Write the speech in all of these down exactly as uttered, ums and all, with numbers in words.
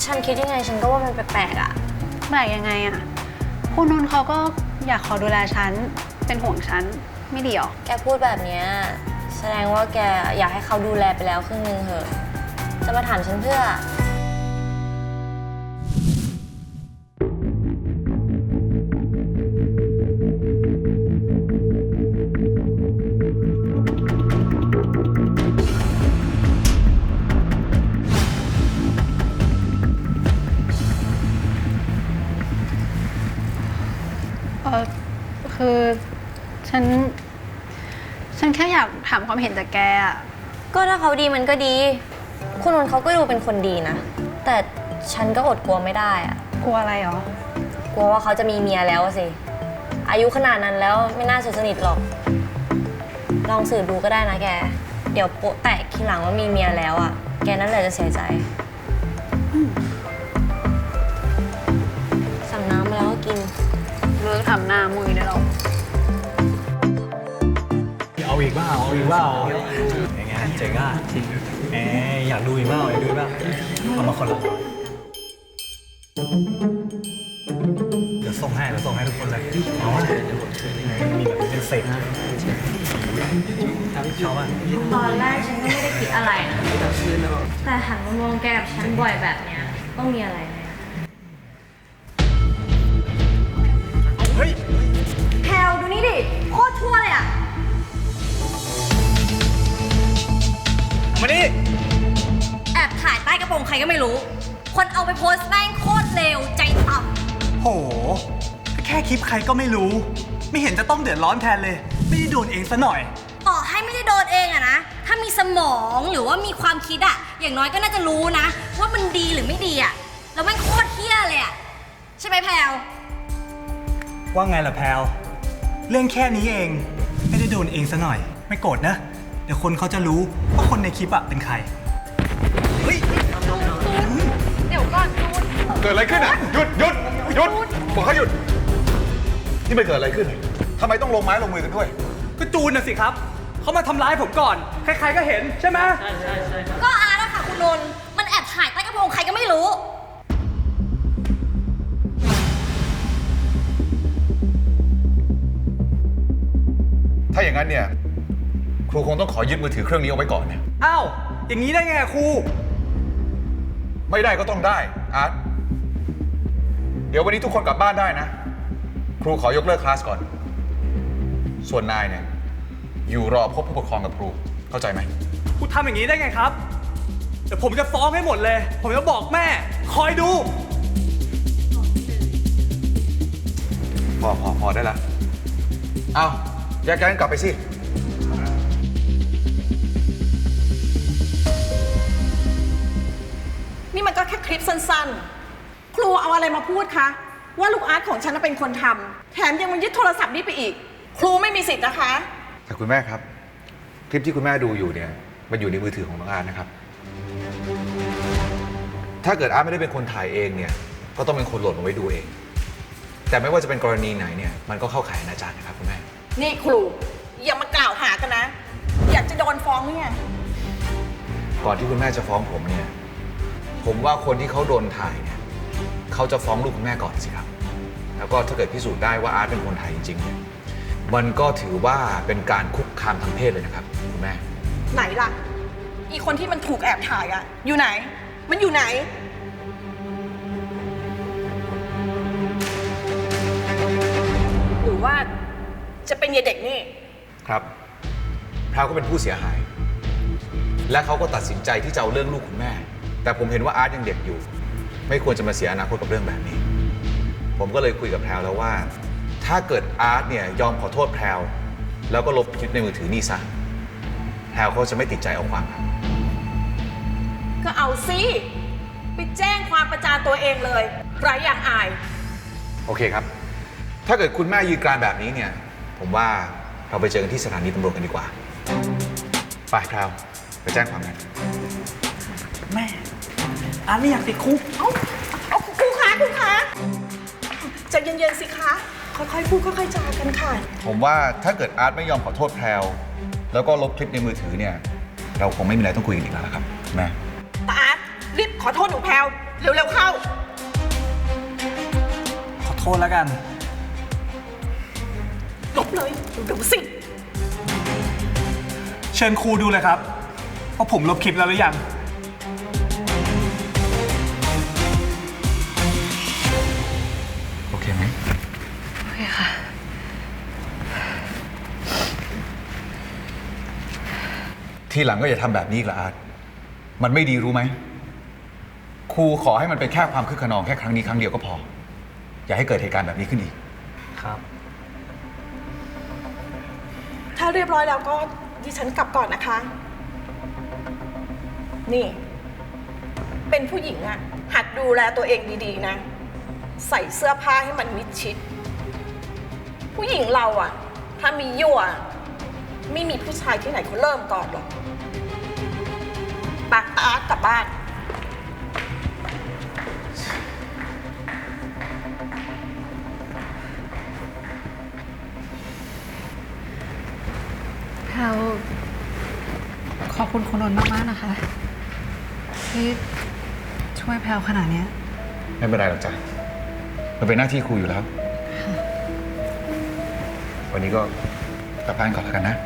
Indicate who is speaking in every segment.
Speaker 1: ฉันคิดยังไงฉันก็ว่ามันแปลกๆอะ
Speaker 2: แปลกยังไงอะคุณนนท์เขาก็อยากขอดูแลฉันเป็นห่วงฉันไม่ดีหรอ
Speaker 1: แกพูดแบบนี้แสดงว่าแกอยากให้เขาดูแลไปแล้วครึ่งนึงเหอะจะมาถามฉันเพื่อ
Speaker 2: เออคือฉันฉันแค่อยากถามความเห็นจากแกอะ
Speaker 1: ก็ถ้าเขาดีมันก็ดีคุณนนท์เขาก็ดูเป็นคนดีนะแต่ฉันก็อดกลัวไม่ได้อะ
Speaker 2: กลัวอะไรหรอ
Speaker 1: กลัวว่าเขาจะมีเมียแล้วสิอายุขนาดนั้นแล้วไม่น่าจะสนิทหรอกลองสืบดูก็ได้นะแกเดี๋ยวโป๊ะแตกทีหลังว่ามีเมียแล้วอ่ะแกนั่นแหละจะเสียใจสั่งน้ำมาแล้วก็กิน
Speaker 2: เลิกทำหน้ามุยได้หรอ
Speaker 3: เอาอีกบ้าเอาอีกบ้าอย่างเงี้ยเจ๋งอ่ะแหมอยากดูอีกบ้าอยากดูอีกบ้าเอามาคนละเดี๋ยวส่งให้เดี๋ยวส่งให้ทุกคนเลยเอาว่ามีแบบเป็นเศษชอบอ่ะ
Speaker 1: ตอนแรกฉันก็ไม่ได้คิดอะไรนะแต่หันมามองแกกับฉันบ่อยแบบเนี้ยต้องมีอะไรแน่
Speaker 3: เฮ้ย
Speaker 1: แพลวดูนี่ดิโคตรชั่วเลยอ่ะ
Speaker 3: มาดิ
Speaker 1: แอบถ่ายใต้กระโปรงใครก็ไม่รู้คนเอาไปโพสต์แม่งโคตรเลวใจต่
Speaker 4: ำโหแค่คลิปใครก็ไม่รู้ไม่เห็นจะต้องเดือดร้อนแทนเลยไม่ได้โดนเองซะหน่อย
Speaker 1: ต่อให้ไม่ได้โดนเองอะนะถ้ามีสมองหรือว่ามีความคิดอะอย่างน้อยก็น่าจะรู้นะว่ามันดีหรือไม่ดีอะแล้วแม่งโคตรเหี้ยเลยอะใช่ไหมแพลว
Speaker 4: ว่าไงล่ะแพลวเรื่องแค่นี้เองไม่ได้โดนเองซะหน่อยไม่โกรธนะเดี๋ยวคนเขาจะรู้ว่าคนในคลิปอะเป็นใครเฮ้ย
Speaker 1: เดี๋ยวก่อน
Speaker 5: เกิดอะไรขึ้นอ่ะหยุดหยุดหยุดบอกเขาหยุดนี่มันเกิดอะไรขึ้นทำไมต้องลงไม้ลงมือกันด้วย
Speaker 4: ก็จูนน่ะสิครับเขามาทำร้ายผมก่อนใครๆก็เห็นใช่ไหมใช่
Speaker 1: ใช่ใช่ก็อาร์ตอะค่ะคุณนนท์มันแอบถ่ายใต้กระโปรงใครก็ไม่รู้
Speaker 5: ถ้าอย่างนั้นเนี่ยครูคงต้องขอยึดมือถือเครื่องนี้เอาไว้ก่อนเนี่ย
Speaker 4: อ้าวอย่างนี้ได้ไงครู
Speaker 5: ไม่ได้ก็ต้องได้อาร์ตเดี๋ยววันนี้ทุกคนกลับบ้านได้นะครูขอยกเลิกคลาสก่อนส่วนนายเนี่ยอยู่รอพบผู้ปกครองกับครูเข้าใจไหม
Speaker 4: ครูทำอย่างนี้ได้ไงครับเดี๋ยวผมจะฟ้องให้หมดเลยผมจะบอกแม่คอยดู
Speaker 5: พอพอพอได้ละเอาแยกย้ายกันกลับไปสิ
Speaker 6: นี่มันก็แค่คลิปสั้นๆครูเอาอะไรมาพูดคะว่าลูกอาร์ตของฉันเป็นคนทำแถมยังมายึดโทรศัพท์นี้ไปอีกครูไม่มีสิทธิ์นะคะ
Speaker 5: แต่คุณแม่ครับคลิปที่คุณแม่ดูอยู่เนี่ยมันอยู่ในมือถือของน้องอาร์ตนะครับถ้าเกิดอาร์ตไม่ได้เป็นคนถ่ายเองเนี่ยก็ต้องเป็นคนโหลดมาไว้ดูเองแต่ไม่ว่าจะเป็นกรณีไหนเนี่ยมันก็เข้าข่ายอนาจารนะครับคุณแม่
Speaker 6: นี่ครูอย่ามากล่าวหากันนะอยากจะโดนฟ้องเนี่ย
Speaker 5: ก่อนที่คุณแม่จะฟ้องผมเนี่ยผมว่าคนที่เขาโดนถ่ายเนี่ยเขาจะฟ้องลูกคุณแม่ก่อนสิครับแล้วก็ถ้าเกิดพิสูจน์ได้ว่าอาร์ตเป็นคนถ่ายจริงๆเนี่ยมันก็ถือว่าเป็นการคุกคามทางเพศเลยนะครับคุณแม่
Speaker 6: ไหนล่ะอีคนที่มันถูกแอบถ่ายอะอยู่ไหนมันอยู่ไหนหรือว่าจะเป็นยายเด็กนี่
Speaker 5: ครับพราวก็เป็นผู้เสียหายและเขาก็ตัดสินใจที่จะเอาเรื่องลูกคุณแม่แต่ผมเห็นว่าอาร์ตยังเด็กอยู่ไม่ควรจะมาเสียอนาคตกับเรื่องแบบนี้ผมก็เลยคุยกับแพรวแล้วว่าถ้าเกิดอาร์ตเนี่ยยอมขอโทษแพรวแล้วก็ลบคลิปในมือถือนี่ซะแพรวเขาจะไม่ติดใจเอาความครับ
Speaker 6: ก็เอาสิไปแจ้งความประจานตัวเองเลยไร้อย่างอาย
Speaker 5: โอเคครับถ้าเกิดคุณแม่ยืนกรานแบบนี้เนี่ยผมว่าเราไปเจอกันที่สถานีตำรวจกันดีกว่าไปแพรวไปแจ้งความกัน
Speaker 4: แม่อาร์ตไม่อยากติดคุก
Speaker 6: เอาเอาครูคะครูคะใจเย็นๆสิคะค่อยๆพูดค่อยๆจากันค่ะ
Speaker 5: ผมว่าถ้าเกิดอาร์ตไม่ยอมขอโทษแพรวแล้วก็ลบคลิปในมือถือเนี่ยเราคงไม่มีอะไรต้องคุยกันอีกแล้วครับแม่
Speaker 6: แต่อาร์ตรีบขอโทษหนูแพรวเร็วๆเข้า
Speaker 4: ขอโทษแล้วกัน
Speaker 6: ลบเลยเร็วๆสิ
Speaker 4: เชิญครูดูเลยครับว่าผมลบคลิปแล้วหรือยัง
Speaker 5: โอเคไหม
Speaker 2: โอเคค่ะ
Speaker 5: ทีหลังก็อย่าทำแบบนี้อีกละอาร์ตมันไม่ดีรู้ไหม ครูขอให้มันเป็นแค่ความคึกขนองแค่ครั้งนี้ครั้งเดียวก็พอ อย่าให้เกิดเหตุการณ์แบบนี้ขึ้นอีก
Speaker 3: ครับ
Speaker 6: ถ้าเรียบร้อยแล้วก็ดิฉันกลับก่อนนะคะ นี่ เป็นผู้หญิงอะหัดดูแลตัวเองดีๆนะ ใส่เสื้อผ้าให้มันมิดชิด ผู้หญิงเราอะถ้ามียั่วไม่มีผู้ชายที่ไหนเขาเริ่มก่อนหรอกปากอาร์ตกลับบ้าน
Speaker 2: แพลวขอบคุณคุณนนท์มากๆนะคะ ที่ช่วยแพลวขนาดเนี้ย
Speaker 5: ไม่เป็นไรหรอกจ้ะมันเป็นหน้าที่ครูอยู่แล้ว วันนี้ก็กลับบ้านก่อนแล้วกันนะ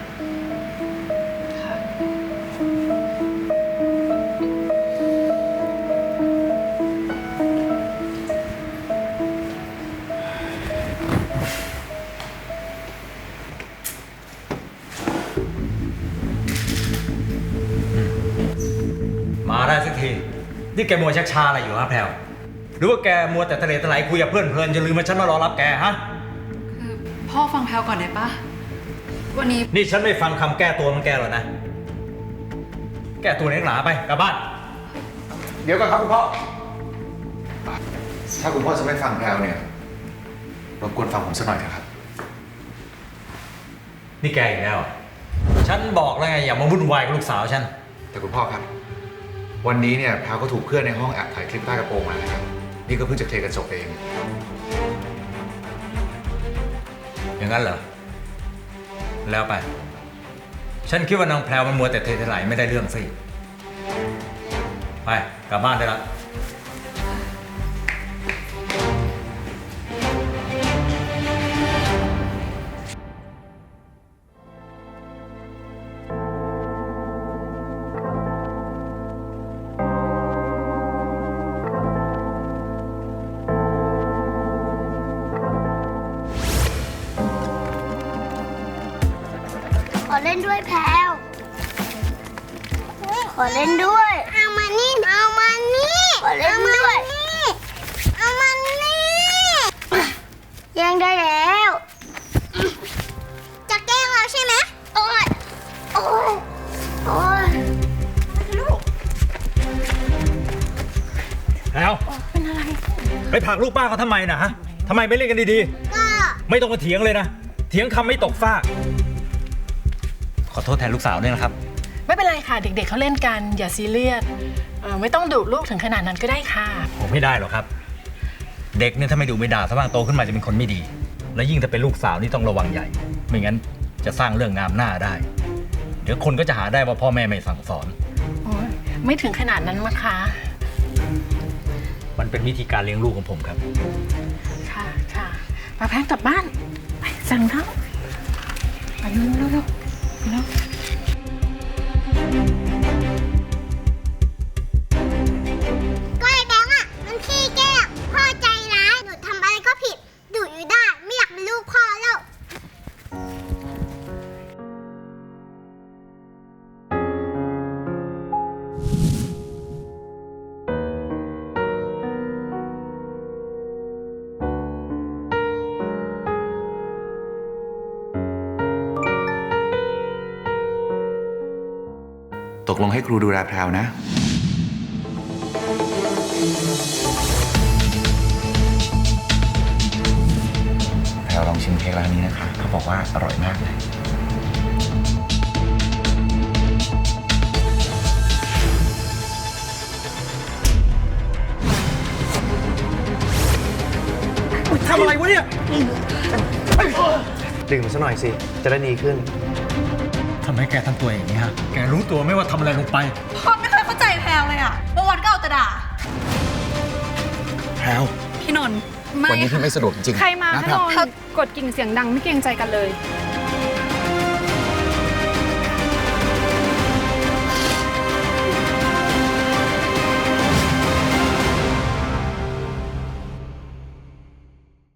Speaker 3: มาได้สักที นี่แกมัวชักชาอะไรอยู่ฮะแพลวหรือว่าแกมัวแต่ทะเลทลายคุยกับเพื่อนเพลินจะลืมว่าฉันมารอรับแกฮะ
Speaker 2: คือพ่อฟังแพลวก่อนได้ปะวันนี้
Speaker 3: นี่ฉันไม่ฟังคำแก้ตัวมันแกหรอกนะ แก้ตัวเล็กหนาไปกลับบ้าน
Speaker 5: เดี๋ยวก่อนครับคุณพ่อ ถ้าคุณพ่อจะไม่ฟังแพลวเนี่ยรบกวนฟังผมสักหน่อยนะครับ
Speaker 3: นี่แกอีกแล้วเหรอฉันบอกแล้วไงอย่ามาวุ่นวายกับลูกสาวฉัน
Speaker 5: แต่คุณพ่อครับ วันนี้เนี่ยแพลวก็ถูกเพื่อนในห้องแอบถ่ายคลิปใต้กระโปรงมานะครับ นี่ก็เพิ่งจะเคลียร์กันจบเอง
Speaker 3: อย่างนั้นเหรอ แล้วไป ฉันคิดว่านางแพรวมันมัวแต่เททลายไม่ได้เรื่องสิ ไปกลับบ้านได้ละ
Speaker 7: ขอเล่นด้วยแพลวขอเล่นด้วย เอามานี่ เอามานี่ ขอเล่นด้วย เอามานี่แย่งได้แล้ว จะแกล้งเราใช่ไหมโอ๊ย โอ๊ย โอ๊ย
Speaker 6: ลูก
Speaker 3: แพรวเป็นอะไร ไปผลักลูกป้าเขาทำไมนะฮะทำไมไม่เล่นกันดี
Speaker 7: ก็
Speaker 3: ๆ ไม่ต้องมาเถียงเลยนะ เถียงคำไม่ตกฟากขอโทษแทนลูกสาวด้วยนะครับ
Speaker 8: ไม่เป็นไรค่ะ เด็กๆเขาเล่นกันอย่าซีเรียสเอ่อไม่ต้องดุลูกถึงขนาดนั้นก็ได้ค่ะ
Speaker 3: ผมไม่ได้หรอกครับ เด็กเนี่ยถ้าไม่ดูไม่ด่าถ้าบ้างโตขึ้นมาจะเป็นคนไม่ดี และยิ่งถ้าเป็นลูกสาวนี่ต้องระวังใหญ่ ไม่งั้นจะสร้างเรื่องงามหน้าได้ เดี๋ยวคนก็จะหาได้ว่าพ่อแม่ไม่สั่งสอน
Speaker 8: โอ้ยไม่ถึงขนาดนั้นมั้งคะ
Speaker 3: มันเป็นวิธีการเลี้ยงลูกของผมครับ
Speaker 8: ค่ะค่ะมาแพงกลับบ้านไปสั่งเท้าไปเร็วเร็วเร็วเร็ว
Speaker 7: ก็ไอ้แบงค์อ่ะ มันขี้แกล้งพ่อใจร้าย หนูทำอะไรก็ผิดดุอยู่ได้ ไม่อยากเป็นลูกพ่อแล้ว
Speaker 5: ตกลงให้ครูดูแลแพรวนะ แพรวลองชิมเค้กร้านนี้นะคะ เขาบอกว่าอร่อยมากเลย
Speaker 3: ทำอะไรวะเนี่ย
Speaker 9: ดื่มซะหน่อยสิ จะได้ดีขึ้น
Speaker 3: ทำไมแกทำตัวอย่างนี้ฮะ แกรู้ตัวไหมว่าทำอะไรลงไป
Speaker 2: พ่อไม่เคยเข้าใจแพลวเลยอะเมื่อวันก็เอาแต่ด่า
Speaker 5: แพรว
Speaker 2: พี่นนท์ไม่
Speaker 5: วันนี้พี่
Speaker 2: ค่ะ
Speaker 5: ไม่สะดวกจริงๆ
Speaker 10: ใครมา
Speaker 5: นะ
Speaker 10: คะ
Speaker 5: แพร
Speaker 10: น
Speaker 5: วน
Speaker 10: ท์กดกิ่งเสียงดังไม่เกรงใจกันเลย